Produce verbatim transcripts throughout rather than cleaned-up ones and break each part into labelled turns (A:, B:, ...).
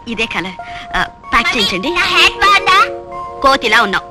A: ఇదే colour pack చేయించండి.
B: బాగుందా?
A: కోతిలా ఉన్నావు.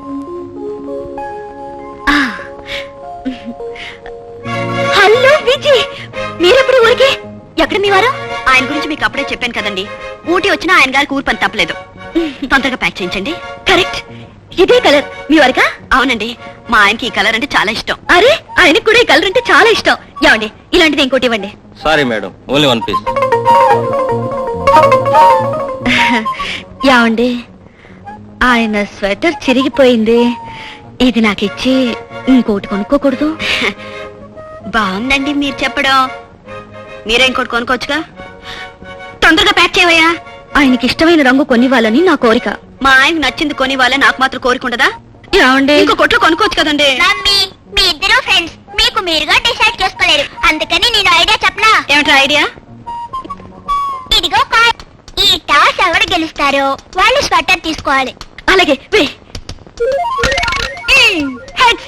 A: హలో విజయ్, మీరెప్పుడు ఊరికి? ఎక్కడ మీ వారు? ఆయన గురించి మీకు అప్పుడే చెప్పాను కదండి. ఊటీ వచ్చినా ఆయన గారికి ఊరు పని తప్పలేదు. తొందరగా ప్యాక్ చేయించండి. కరెక్ట్, ఇదే కలర్ మీ వారికా? అవునండి, మా ఆయనకి ఈ కలర్ అంటే చాలా ఇష్టం. అరే, ఆయనకి కూడా ఈ కలర్ అంటే చాలా ఇష్టం. ఏమండి, ఇలాంటిది ఇంకోటి ఇవ్వండి.
C: Sorry madam, only one piece.
A: ఏమండి, ఆయన స్వెటర్ చిరిగిపోయింది, ఇది నాకు ఇచ్చి ఇంకోటి కొనుక్కోకూడదు? బాగుందండి మీరు చెప్పడం. మీరే ఇంకోటి కొనుక్కోవచ్చుగా. తొందరగా ప్యాక్ చేయవయ్యా. ఆయనకి ఇష్టమైన రంగు కొనివ్వాలని నా కోరిక. మా ఆయనకు నచ్చింది కొనివ్వాలని నాకు మాత్రం కోరిక ఉండదా? ఏమండి, ఇంకో కొట్లో కొనుక్కోవచ్చు కదండి.
B: మమ్మీ, మీ ఇద్దరు ఫ్రెండ్స్, మీకు మీరుగా డిసైడ్ చేసుకోలేరు, అందుకని నేను ఐడియా చెప్పనా?
A: ఏమిటా ఐడియా?
B: ఇదిగో కాయ్, ఈ టాస్ ఎవరు గెలుస్తారో వాళ్ళు స్వెటర్ తీసుకోవాలి.
A: అలాగే వే. హెడ్స్.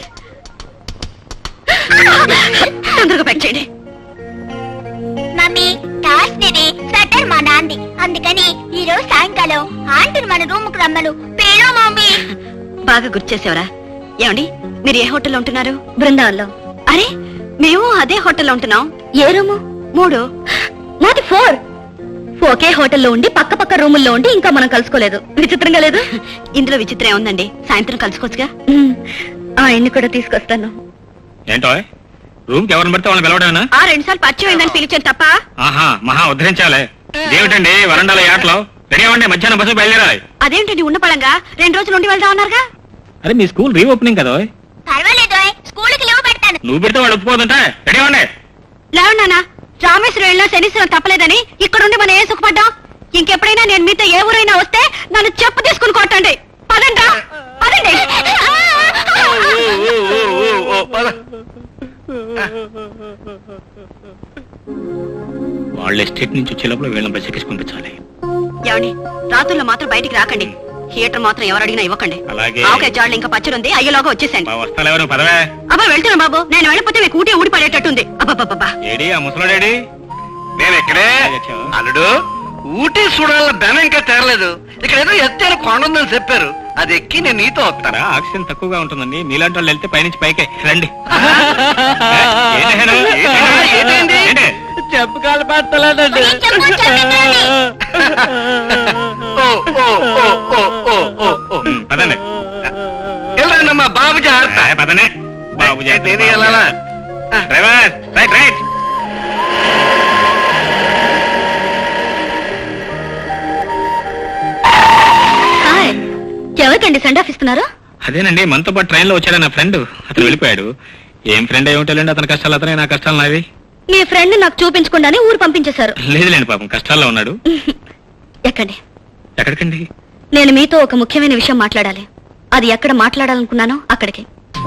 A: తొందరగా ప్యాక్ చేయండి.
B: మమ్మీ, టాస్ నిది, స్వెటర్ మా నాంది, అందుకని ఈ రోజు సాయంకాలం ఆంటీని మన రూమ్ కు రమ్మను. పేరు మమ్మీ.
A: బాగా గుర్తు చేసేవరా. ఏమండి, మీరు ఏ హోటల్లో ఉంటున్నారు? బృందావన్లో. అరే, మేము అదే హోటల్లో ఉంటున్నాం. ఏ రూము? మూడు. నాది ఫోర్. ఒకే హోటల్లో ఉండి పక్క పక్క రూముల్లో ఉండి ఇంకా మనం కలుసుకోలేదు. విచిత్రంగా లేదు? ఇందులో విచిత్రం ఏముందండి, సాయంత్రం కలుసుకోవచ్చుగా. ఆయన్ని కూడా తీసుకొస్తాను.
D: ఏంటో రూమ్ కి ఎవరిని పడితే వాళ్ళని పిలవడానా?
A: ఆ రెండు సార్లు పరిచయం అయిందని పిలిచాను తప్ప.
D: ఆహా, మహా ఉద్ధరించాలే. ఏమిటండి వరండాల యాట్లో రెడీ అవ్వండి, మధ్యాహ్నం బస్సు బయలుదేరాలి.
A: అదేంటండి ఉన్న పడంగా రెండు రోజులు ఉండి వెళ్దాం అన్నారుగా.
D: అరే, మీ స్కూల్ రీఓపెనింగ్ కదా.
B: పర్వాలేదు, స్కూల్ కి లీవ్ పెడతాను.
D: నువ్వు పెడితే వాళ్ళు ఒప్పుకోదంటే రెడీ అవ్వండి.
A: లేవన్నానా, రామేశ్వరం వెళ్ళినా శనీశ్వరం తప్పలేదని ఇక్కడుండి మనం ఏం సుఖపడ్డాం. ఇంకెప్పుడైనా నేను మీతో ఏ ఊరైనా వస్తే నన్ను చెప్పు తీసుకుని కొట్టండి. పదండి పదండి.
D: వాళ్ళ ఎస్టేట్ నుంచి వచ్చేలోపల వీళ్ళని బస్ ఎక్కించి పంపించాలి.
A: ఏమండి, రాత్రుల్లో మాత్రం బయటికి రాకండి. థియేటర్ మాత్రం ఎవరు అడిగినా ఇవ్వకండి.
D: అలాగే.
A: ఓకే, జాడ్లు ఇంకా పచ్చడి అయ్యేలోగా వచ్చేసాను.
D: వస్తాను ఎవరు పదవే.
A: అబ్బా వెళ్తున్నా బాబు, నేను వెళ్ళిపోతే మీకు ఊటీ ఊడి పడేటట్టుంది. అబ్బాబ్బా.
D: ఏడి ఆ ముసలోడేడి?
E: నేను ఇక్కడే. అల్లుడు, ఊటీ చూడాల ధనం ఇంకా తేరలేదు. ఇక్కడ ఏదో ఎత్తైన కొండ ఉందని చెప్పారు, అది ఎక్కి నేను నీతో వస్తారా?
D: ఆక్సిజన్ తక్కువగా ఉంటుందండి, మీలాంటి వాళ్ళు వెళ్తే పైనుంచి పైకే రండి.
C: చెప్పు కాలు పడతలేదండి.
D: పదండి.
E: వెళ్ళండమ్మా, బాబు జాగ్రత్త.
D: పదనే బాబు జాగ్రత్త.
E: వెళ్ళాలా?
D: Driver right right.
A: ఎవరికండి సెండ్ ఆఫ్ ఇస్తున్నారు?
D: అదేనండి, మనతో పాటు ట్రైన్ లో వచ్చాడు నా ఫ్రెండ్. అతను వెళ్ళిపోయాడు. ఏం ఫ్రెండ్ ఏమిటండి, అతని కష్టాలు అతనే, నా కష్టాలు నావి.
A: మీ ఫ్రెండ్ నాకు చూపించకుండానే ఊరు పంపించేశారు.
D: లేదులేండి, పాపం కష్టాల్లో ఉన్నాడు.
A: ఎక్కండి.
D: ఎక్కడికండి?
A: నేను మీతో ఒక ముఖ్యమైన విషయం మాట్లాడాలి. అది ఎక్కడ మాట్లాడాలనుకున్నానో అక్కడికి.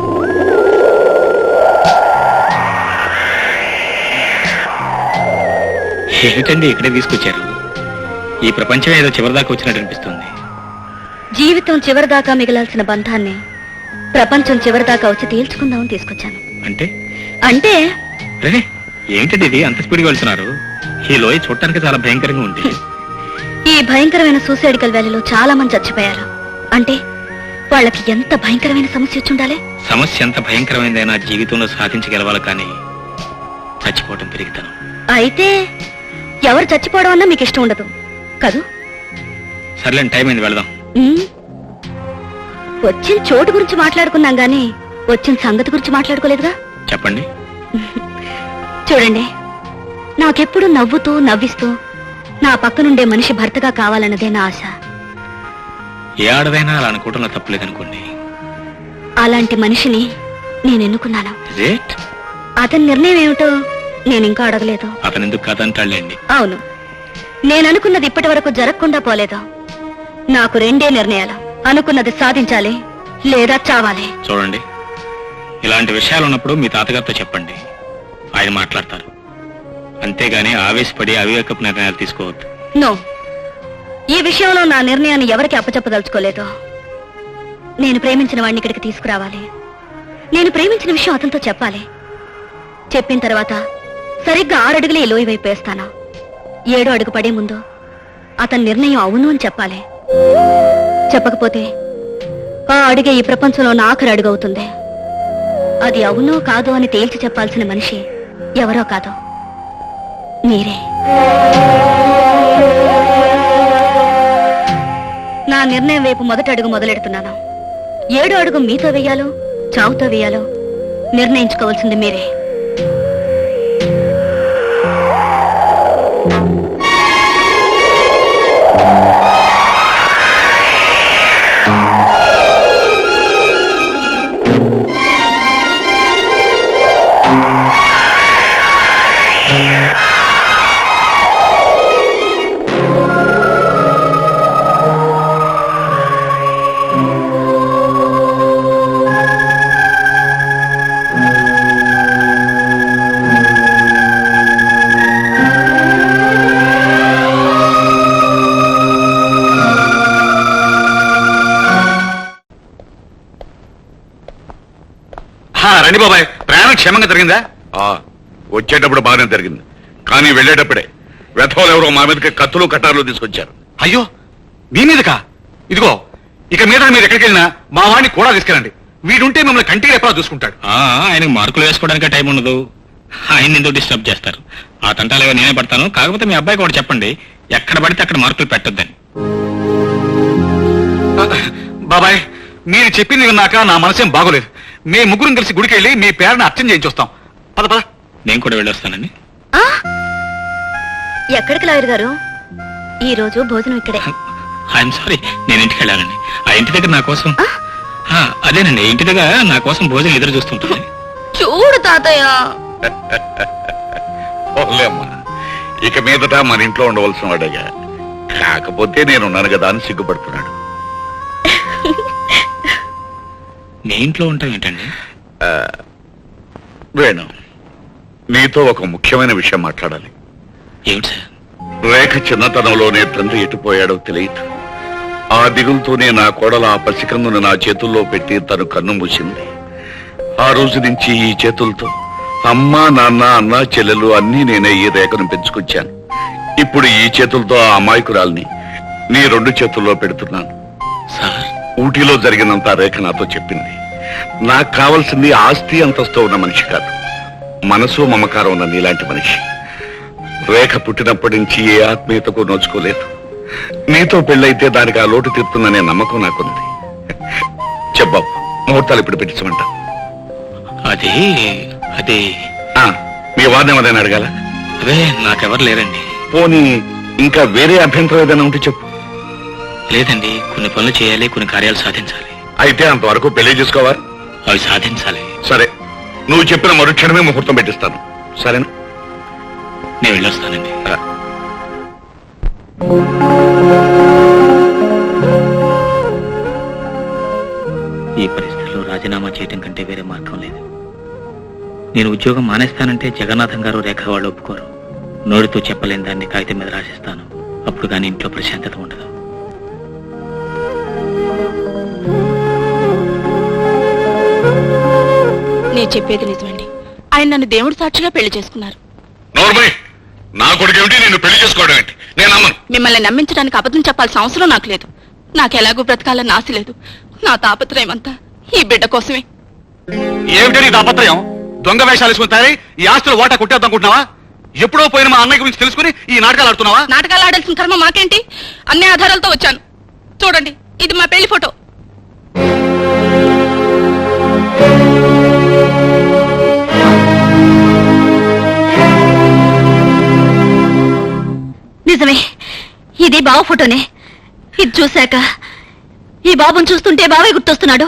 D: ఏమిటండి ఇక్కడే తీసుకొచ్చారు? ఈ ప్రపంచం ఏదో చివరిదాకా వచ్చినట్టు అనిపిస్తుంది.
A: జీవితం చివరిదాకా మిగలాల్సిన బంధాన్ని ప్రపంచం చివరిదాకా వచ్చి తేల్చుకుందామని తీసుకొచ్చాను.
D: అంటే
A: అంటే
D: రే, ఏమిటండి ఇది అంత స్పీడ్గా వెళ్తున్నారు? ఈ లోయ చూడటానికి చాలా భయంకరంగా ఉంది.
A: ఈ భయంకరమైన సూసైడికల్ వ్యాలీలో చాలా మంది చచ్చిపోయారు. అంటే వాళ్ళకి ఎంత భయంకరమైన సమస్య వచ్చి ఉండాలి.
D: సమస్య ఎంత భయంకరమైందైనా జీవితంలో సాధించగలవాలి, కానీ చచ్చిపోవటం పెరుగుతాను.
A: అయితే ఎవరు చచ్చిపోవడం అన్నా మీకు ఇష్టం ఉండదు కదూ?
D: సర్లేండి, టైం అయింది, వెళదాం.
A: వచ్చిన చోటు గురించి మాట్లాడుకున్నాం గానీ వచ్చిన సంగతి గురించి మాట్లాడుకోలేదుగా.
D: చెప్పండి.
A: చూడండి, నాకెప్పుడు నవ్వుతూ నవ్విస్తూ నా పక్కనుండే మనిషి భర్తగా కావాలన్నదే నా ఆశ.
D: ఏ ఆడదైనా అలా అనుకోవడంలో తప్పలేదనుకోండి.
A: అలాంటి మనిషిని నేను ఎన్నుకున్నాను.
D: రేట్
A: అతని నిర్ణయం ఏమిటో నేను ఇంకా అడగలేదు.
D: అతను ఎందుకు కాదంటాడులేండి.
A: అవును, నేను అనుకున్నది ఇప్పటి వరకు జరగకుండా పోలేదు. నాకు రెండే నిర్ణయాలు, అనుకున్నది సాధించాలి లేదా చావాలి.
D: చూడండి, ఇలాంటి విషయాలు ఉన్నప్పుడు మీ తాతగారితో చెప్పండి, ఆయన మాట్లాడతారు. అంతేగాని ఆవేశపడి అవివేకపు నిర్ణయాలు తీసుకోవద్దు.
A: నో, ఈ విషయంలో నా నిర్ణయాన్ని ఎవరికి అప్పచెప్పదలుచుకోలేదు. నేను ప్రేమించిన వాడిని ఇక్కడికి తీసుకురావాలి. నేను ప్రేమించిన విషయం అతనితో చెప్పాలి. చెప్పిన తర్వాత సరిగ్గా ఆరడుగులే లోయ వైపు వేస్తాను. ఏడో అడుగు పడే ముందు అతని నిర్ణయం అవును అని చెప్పాలి. చెప్పకపోతే ఆ అడిగే ఈ ప్రపంచంలో నా ఆఖరి అడుగు అవుతుంది. అది అవునో కాదో అని తేల్చి చెప్పాల్సిన మనిషి ఎవరో కాదో మీరే. నా నిర్ణయం వైపు మొదటి అడుగు మొదలెడుతున్నాను. ఏడో అడుగు మీతో వేయాలో చావుతో వేయాలో నిర్ణయించుకోవాల్సింది మీరే.
F: రండి బాబాయ్, ప్రయాణం క్షేమంగా జరిగిందా? వచ్చేటప్పుడు బాగానే జరిగింది, కానీ వెళ్ళేటప్పుడే వెధవలు ఎవరో మా మీదకి కత్తులు కట్టారులు తీసుకొచ్చారు. అయ్యో, మీ మీదకా? ఇదిగో, ఇక మీద మీరు ఎక్కడికి వెళ్ళినా మా వాడిని కూడా తీసుకెళ్ళండి. వీడుంటే మిమ్మల్ని కంటికి ఎప్పుడో చూసుకుంటాడు.
D: ఆయనకు మార్కులు వేసుకోవడానికి టైం ఉండదు. ఆయన ఎందుకు డిస్టర్బ్ చేస్తారు? ఆ తంటాలేవో నేనే పడతాను. కాకపోతే మీ అబ్బాయి కూడా చెప్పండి, ఎక్కడ పడితే అక్కడ మార్కులు పెట్టొద్దని.
F: బాబాయ్, మీరు చెప్పింది విన్నాక నా మనసేం బాగోలేదు. మీ ముగ్గురం కలిసి గుడికి వెళ్ళి మీ పేరుని అర్చన చేయించొస్తాం. పద పద.
D: నేను కూడా వెళ్ళొస్తానండి.
A: ఎక్కడికి లాయర్ గారు? ఈ రోజు భోజనం ఇక్కడే.
D: ఐఎమ్ సారీ, నేను ఇంటికి వెళ్ళాలండి. ఆ ఇంటి దగ్గర నా కోసం అదేనండి ఇంటి దగ్గర నా కోసం భోజనం ఎదురు చూస్తుంటుంది.
A: చూడు తాతయ్య,
F: ఇక మీదట మన ఇంట్లో ఉండవలసిన వాడేగా, కాకపోతే నేనున్నాను కదా అని సిగ్గుపడుతున్నాడు.
D: మీ ఇంట్లో ఉంటాం ఏంటండి?
F: వేణు, నీతో ఒక ముఖ్యమైన విషయం మాట్లాడాలి.
D: ఏమిటి సార్?
F: రేఖ చిన్నతనంలోనే తండ్రి ఎటుపోయాడో తెలియదు. ఆ దిగులతోనే నా కోడల ఆ పసికందును నా చేతుల్లో పెట్టి తను కన్ను మూసింది. ఆ రోజు నుంచి ఈ చేతులతో అమ్మా నాన్న అన్న చెల్లెలు అన్నీ నేనే ఈ రేఖను పెంచుకొచ్చాను. ఇప్పుడు ఈ చేతులతో ఆ అమాయకురాల్ని నీ రెండు చేతుల్లో పెడుతున్నాను.
D: సార్,
F: ఊటీలో జరిగినంత రేఖ నాతో చెప్పింది. నాకు కావాల్సింది ఆస్తి అంతస్తు ఉన్న మనిషి కాదు, మనసు మమకారం ఉన్న నీలాంటి మనిషి. రేఖ పుట్టినప్పటి నుంచి ఏ ఆత్మీయతకు నోచుకోలేదు. నీతో పెళ్ళైతే దానికి ఆ లోటు తీరుతుందనే నమ్మకం నాకుంది. చెప్పావు, ముహూర్తాలు ఇప్పుడు పెట్టించమంటా.
D: అది అది
F: మీ వారిని ఏమైనా అడగాల?
D: అదే నాకెవరు లేరండి.
F: పోనీ ఇంకా వేరే అభ్యంతరం ఏదైనా ఉంటే చెప్పు.
D: లేదండి, కొన్ని పనులు చేయాలి, కొన్ని కార్యాలు సాధించాలి.
F: అయితే అంతవరకు పెళ్లి చేసుకోవాలి.
D: అవి సాధించాలి.
F: సరే, నువ్వు చెప్పిన మరుక్షణమే ముహూర్తం పెట్టిస్తాను. సరేనా?
D: నేను వెళ్ళొస్తానండి. ఈ పరిస్థితిలో రాజీనామా చేయటం కంటే వేరే మార్గం లేదు. నేను ఉద్యోగం మానేస్తానంటే జగన్నాథం గారు రేఖ వాళ్ళు ఒప్పుకోరు. నోటితో చెప్పలేని దాన్ని కాగితం మీద రాసిస్తాను. అప్పుడు కానీ ఇంట్లో ప్రశాంతత ఉండదు.
G: నేను చెప్పేది నిజమండి. ఆయన నన్ను దేవుడి సాక్షిగా పెళ్లి చేసుకున్నారు.
F: నా కొడుకేమిటి నిన్ను పెళ్లి చేసుకోవడం ఏంటి? నేను నమ్మను.
G: మిమ్మల్ని నమ్మించడానికి అబద్ధం చెప్పాల్సిన అవసరం నాకు లేదు. నాకు ఎలాగూ బ్రతకాలని ఆశ లేదు. నా తాపత్రయం అంతా ఈ బిడ్డ కోసమే.
F: ఏమిటి నీ తాపత్రయం? దొంగ వేషాలు వేసుకుంటారే ఈ ఆస్తులు ఓటా కొట్టేద్దామనుకుంటున్నావా? ఎప్పుడో పోయిన మా అన్నయ్య గురించి తెలుసుకుని ఈ నాటకాలు ఆడుతున్నావా?
G: నాటకాలు ఆడాల్సిన కర్మ మాకేంటి? అన్ని ఆధారాలతో వచ్చాను. చూడండి, ఇది మా పెళ్లి ఫోటో.
A: నిజమే, ఇది బావ ఫోటోనే. ఇది చూశాక ఈ బాబుని చూస్తుంటే బావే గుర్తొస్తున్నాడు.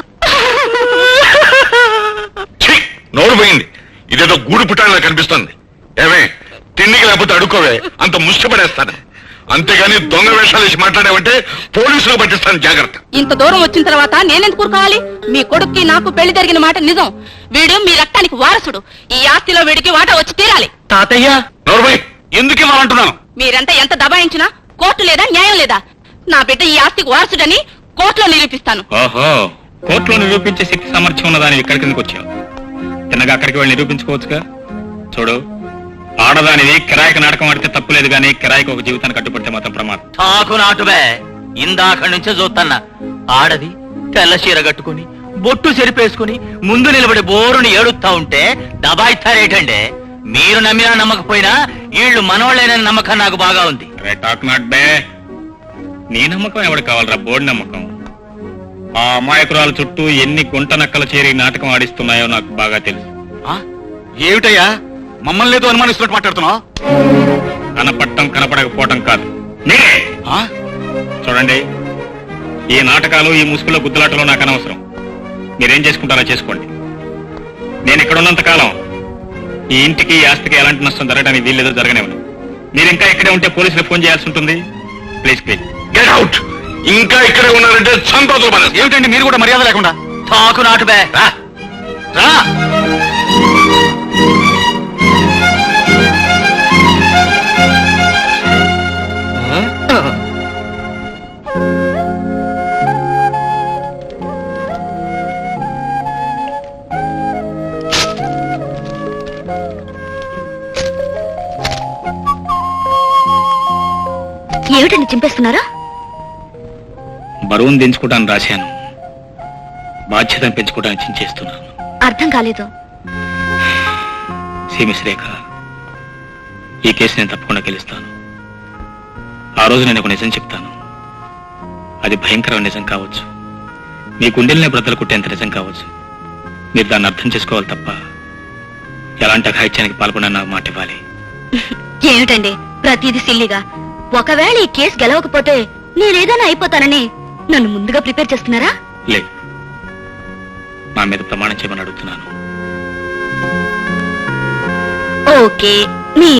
F: నోరు పోయింది. ఇదేదో గూడు పుట్టాలా కనిపిస్తుంది. ఏమే, తిండికి లేకపోతే అడుక్కోవే, అంత ముష్టపడేస్తాను. అంతేగాని దొంగ వేషాలు వేసి మాట్లాడావంటే పోలీసులు పట్టిస్తాను, జాగ్రత్త.
G: ఇంత దూరం వచ్చిన తర్వాత నేనెందుకు కావాలి? మీ కొడుక్కి నాకు పెళ్లి జరిగిన మాట నిజం. వీడు మీ రక్తానికి వారసుడు. ఈ ఆస్తిలో వీడికి వాటా వచ్చి తీరాలి.
D: తాతయ్య,
F: నోరు పోయి. ఎందుకు ఇవ్వాలంటున్నాను?
G: మీరంతా ఎంత దబాయించినా కోర్టు లేదా, న్యాయం లేదా? నా బిడ్డ ఈ ఆస్తికి వారసుడని కోర్టులో నిరూపిస్తాను.
D: ఓహో, కోర్టులో నిరూపించే శక్తి సామర్థ్యం ఉన్నదాన్ని ఇక్కడికి ఎందుకు వచ్చావు? తిన్నగా అక్కడికి వెళ్ళి నిరూపించుకోవచ్చుగా. చూడు, ఆడదానిది కిరాయికి నాటకం ఆడితే తప్పు లేదు కానీ కిరాయికి ఒక జీవితాన్ని కట్టుబడితే మాత్రం ప్రమాదం.
C: తాకు నాటుబే ఇందాక నుంచే చూస్తున్నా. ఆడది తెల్ల చీర కట్టుకుని బొట్టు చెరిపేసుకుని ముందు నిలబడి బోరుని ఏడుస్తా ఉంటే దబాయిస్తారేటండి. మీరు నమ్మినా నమ్మకపోయినా వీళ్ళు మనోళ్ళేనని నమ్మకం నాకు బాగా ఉంది.
D: అరే టాక్ నాట్ బే. నీ నమ్మకం ఎవడు కావాలరా? బోర్డు నమ్మకం. ఆ అమాయకురాల చుట్టూ ఎన్ని గుంట నక్కల చేరి నాటకం ఆడిస్తున్నాయో నాకు బాగా తెలుసు.
E: ఏమిటయ్యా మమ్మల్ని ఏదో అనుమానిస్తున్నట్టు మాట్లాడుతున్నావు?
D: కనపడటం కనపడకపోవటం కాదు, మీరే. చూడండి, ఈ నాటకాలు ఈ ముసుగుల గుద్దులాటలో నాకు అనవసరం. మీరేం చేసుకుంటారో చేసుకోండి. నేను ఇక్కడ ఉన్నంత కాలం ఈ ఇంటికి ఈ ఆస్తికి ఎలాంటి నష్టం జరగడానికి వీల్లేదో జరగనివ్వను. మీరు ఇంకా ఇక్కడే ఉంటే పోలీసులకు ఫోన్ చేయాల్సి ఉంటుంది. Please please
F: get out. ఇంకా ఇక్కడే ఉన్నారంటే సంతోషం.
E: ఏమిటండి మీరు కూడా మర్యాద లేకుండా?
C: తాకు నాటుబే రా రా.
A: ఏమిటండి చింపేస్తున్నారా?
D: బరువును దించుకోవడానికి రాశాను, బాధ్యతను పెంచుకోవడానికి చించేస్తున్నాను.
A: అర్థం కాలేదు.
D: సీమిస్ రేఖ, ఈ కేసు నేను తప్పకుండా గెలుస్తాను. ఆ రోజు నేను ఒక నిజం చెప్తాను. అది భయంకరమైన నిజం కావచ్చు, మీ గుండెల్ని బ్రతలు కుట్టేంత నిజం కావచ్చు. మీరు దాన్ని అర్థం చేసుకోవాలి తప్ప ఎలాంటి అఘాయిత్యానికి పాల్పడినా నాకు మాట ఇవ్వాలి.
A: ఏమిటండి ప్రతిదీ సిల్లిగా? ఒకవేళ ఈ కేసు గెలవకపోతే నేనేదైనా అయిపోతానని నన్ను ముందుగా ప్రిపేర్ చేస్తున్నారా?
D: లేదు, నా మీద ప్రమాణం చేయమని అడుగుతున్నాను.
A: ఓకే, మీ